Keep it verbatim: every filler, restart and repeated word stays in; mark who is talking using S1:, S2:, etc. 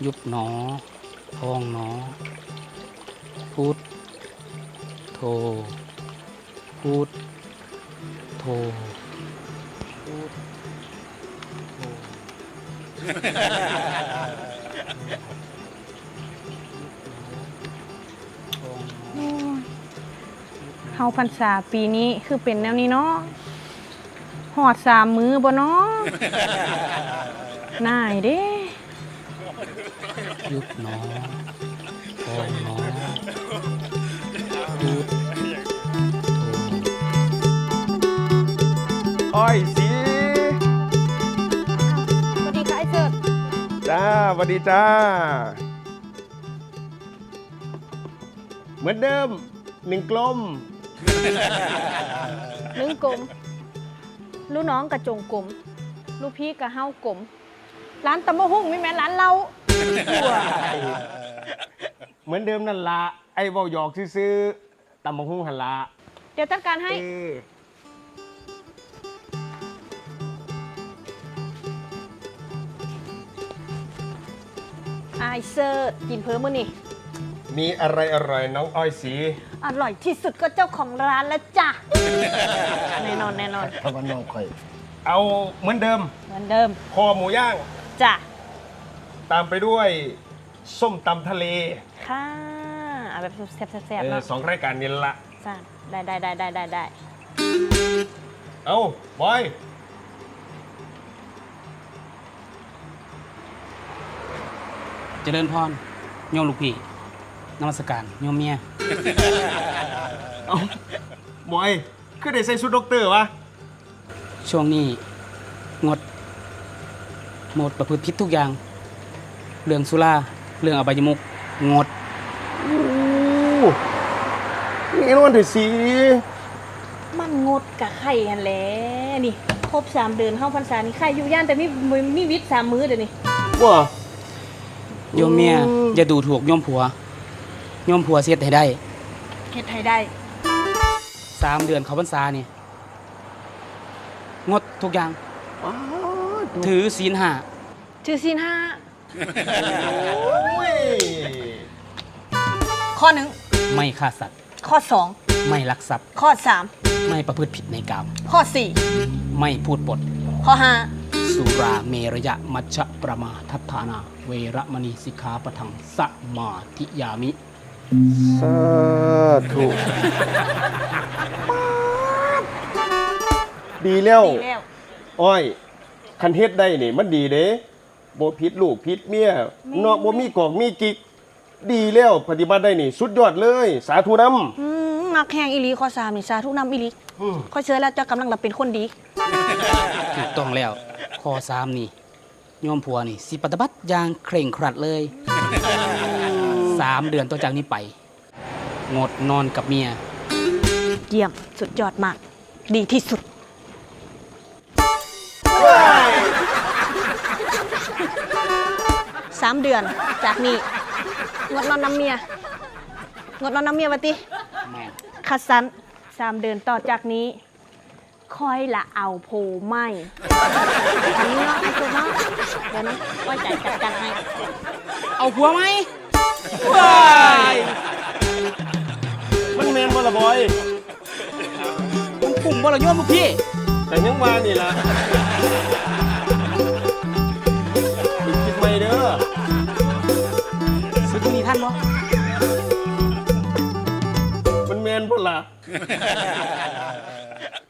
S1: ยุบหนอพองหนอพุทโธพุทโธพุทโธ
S2: เฮาพรรษาปีนี้คือเป็นแนวนี้เนาะหอดสามมือบ่เนาะ น่ายเด้
S1: ยุบหนอพองหนอพุทโธ
S3: อ้อยสี
S2: สวัสดีค่ะไอ้เสิร์ช
S3: จ้าสวัสดีจ้า เหมือนเดิมหนึ่งกลม
S2: ลึงกลมลูกน้องกระจงกลมลูกพี่กระเฮากลมร้านตำมะหุ่งไม่แม่นร้านเราหัว
S3: เหมือนเดิมนั่นละไอ้เบาหยอกซื้อๆตำบักหุ่งหันละ
S2: เดี๋ยวจัดการให้
S3: เออ
S2: ไอ้เสิร์ชกินเพิ่มมื้อนี่
S3: มีอะไรอร่อยน้องอ้อยสี
S2: อร่อยที่สุดก็เจ้าของร้านแล้วจ้ะ แน่นอนแน่นอน
S3: พวันน้องค่อย เอาเหมือนเดิม
S2: เหมือนเดิม
S3: คอหมูย่าง
S2: จ้ะ
S3: ตามไปด้วย ส้มตำทะเล
S2: ค่ะเอาแบบแซ่บๆ
S3: เออ
S2: เนาะ
S3: สองรายการนี้ละ
S2: จ้ะได้ได้ได้ได้ได้ได้
S3: เอาบอย
S1: เจริญพรโยมลูกพี่นมัสการโยมเมีย
S3: เอาบอยคือได้ใส่ชุดด็อกเตอร์วะ
S1: ช่วงนี้งดหมดประพฤติผิดทุกอย่าง เรื่องสุราเรื่องอบายมุกงด
S3: โอ้นี่นวันที่สี
S2: มันงดกับไข่ฮันแหละนี่ครบสามเดือนเข้าพรรษานี่ไข่อยู่ย่านแต่มีมีมีวิทย์สามมื้อเดี๋ยวนี้
S3: ว่า
S1: โยมเมีย
S3: อืม
S1: อย่าดูถูกโยมผัวโยมผัวเสียให้ได้
S2: เฮ็ดไทยได้
S1: สามเดือนเขาพรรษานี่งดทุกอย่าง
S3: อ้าว
S1: ถือศีลห้า
S2: ชื่อซีนห้า
S3: โอ้ย
S2: ข้อหนึ่ง
S1: ไม่ฆ่าสัตว์
S2: ข้อสอง
S1: ไม่ลักทรัพย์
S2: ข้อสาม
S1: ไม่ประพฤติผิดในกาม
S2: ข้อสี่
S1: ไม่พูดปด
S2: ข้อห้า
S1: สุราเมรยะมัชฌะประมาทัฏฐานา เวระมณีสิกขาปะทังสมาธิยามิ
S3: สาธุดีแล้ว
S2: ดีแล้ว
S3: อ้อย คันเฮ็ดได้นี่มันดีเด้บ่ผิดลูกผิดเมียเนาะบ่มีกอกมีกิก ดีแล้วปฏิบัติได้นี่ สุดยอดเลย สาธุนำ
S2: อืมมักแหงอีหลีข้อสามนี่สาธุนำอีหลีข้อเชื่อแล้วเจ้ากำลังรับเป็นคนดี
S1: ถูกต้องแล้ว ข้อสามนี่โยมผัวนี่ สิปฏิบัติอย่างเคร่งครัดเลยสามเดือนต่อจากนี้ไป งดนอนกับเมีย
S2: เยี่ยมสุดยอดมาก ดีที่สุด สามเดือนจากนี้งดนอนน้ำเมียงดนอนน้ำเมียวะติ
S1: แม่น
S2: คัดสันสามเดือนต่อจากนี้คอยละเอาโพไม่อันนี้เนาะไอ้ตัวเนาะเดี๋ยวนะไว่าใจจัดการให้
S1: เอาผัวไหม
S3: มันแม่นบ่ล่ะบอย
S1: มันปุ่มบ่ละโยมลูกพี่
S3: แต่ยังว่านี่ล่ะอีกคิดใหม่เด้อ
S1: ซื้อตรงนี้ท่านบ่
S3: มันแม่นบ่ล่ะ